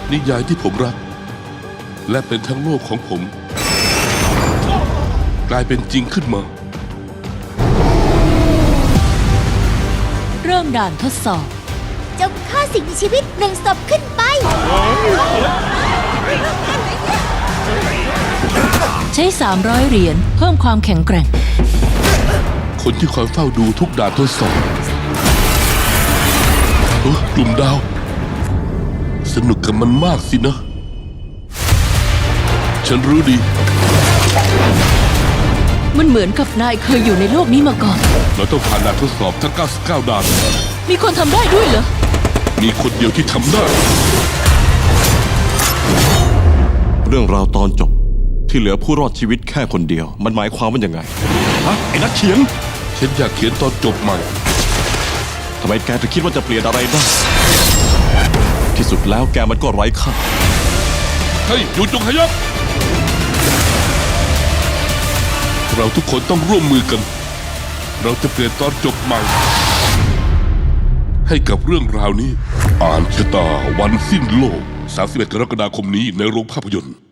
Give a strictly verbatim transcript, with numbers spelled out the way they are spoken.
นิยายที่ผมรักและเป็นทั้งโลกของผมกลายเป็นจริงขึ้นมาเริ่มด่านทดสอบจงฆ่าสิ่งมีชีวิตหนึ่งศพขึ้นไปใช้สามร้อยเหรียญเพิ่มความแข็งแกร่งคนที่คอยเฝ้าดูทุกด่านทดสอบเออกลุ่มดาวสนุกกับมันมากสินะฉันรู้ดีมันเหมือนกับนายเคยอยู่ในโลกนี้มาก่อนเราต้องผ่านด่านทดสอบทั้งเก้าสิบเก้าด่านมีคนทำได้ด้วยเหรอมีคนเดียวที่ทำได้เรื่องราวตอนจบที่เหลือผู้รอดชีวิตแค่คนเดียวมันหมายความว่ายังไงฮะไอ้นักเขียนฉันอยากเขียนตอนจบใหม่ทำไมแกถึงคิดว่าจะเปลี่ยนอะไรได้ที่สุดแล้วแกมันก็ไร้ค่าเฮ้ยหยุดจงขยับเราทุกคนต้องร่วมมือกันเราจะเปลี่ยนตอนจบใหม่ให้กับเรื่องราวนี้อ่านชะตาวันสิ้นโลกสามสิบเอ็ดกรกฎาคมนี้ในโรงภาพยนตร์